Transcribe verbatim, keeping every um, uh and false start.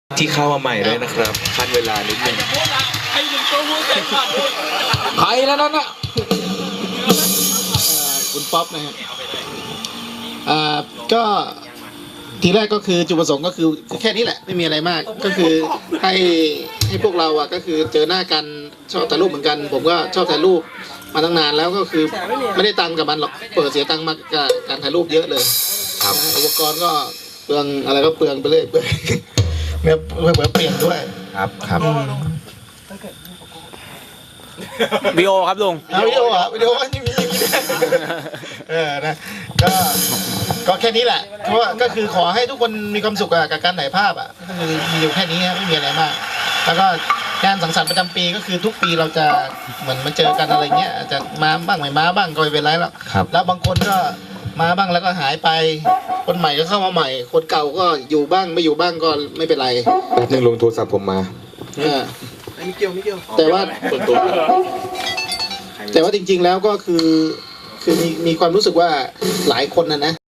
ที่เข้ามาใหม่ด้วยนะครับขั้นเวลานิดนึงใครแล้วนั่นน่ะคุณป๊อปนะฮะอ่าก็ทีแรกก็คือจุดประสงค์ก็คือแค่นี้แหละไม่มีอะไรมากก็คือให้ให้พวกเราอ่ะก็คือเจอหน้ากันชอบถ่ายรูปเหมือนกัน ผมก็ชอบถ่ายรูปมาตั้งนานแล้วก็คือไม่ได้ตังค์กับมันหรอกเปิดเสียตังค์มากับการถ่ายรูปเยอะเลยครับอุปกรณ์ก็เปลืองอะไรก็เปลืองไปเลยเปลืองเนี่ยเปลืองเปลี่ยนด้วยครับครับวิดีโอครับลุงเอาวิดีโออ่ะวิดีโอนี่มีอย่างนี้ด้วยเออนะก็ก็แค่นี้แหละเพราะว่าก็คือขอให้ทุกคนมีความสุขกับการถ่ายภาพอ่ะก็คือมีอยู่แค่นี้ไม่มีอะไรมาก แล้วก็งานสังสรรค์ประจำปีก็คือทุกปีเราจะเหมือนมาเจอกันอะไรเงี้ยอาจจะมาบ้างไม่มาบ้างก็ไม่เป็นไรแล้วครับแล้วบางคนก็มาบ้างแล้วก็หายไป คนใหม่ก็เข้ามาใหม่ คนเก่าก็อยู่บ้างไม่อยู่บ้างก็ไม่เป็นไรแป๊บนึงลงโทรศัพท์ผมมาเออไม่เกี่ยวไม่เกี่ยวแต่ว่าส่วนตัวแต่ว่าจริงๆแล้วก็คือคือมีมีความรู้สึกว่าหลายคนนะนะ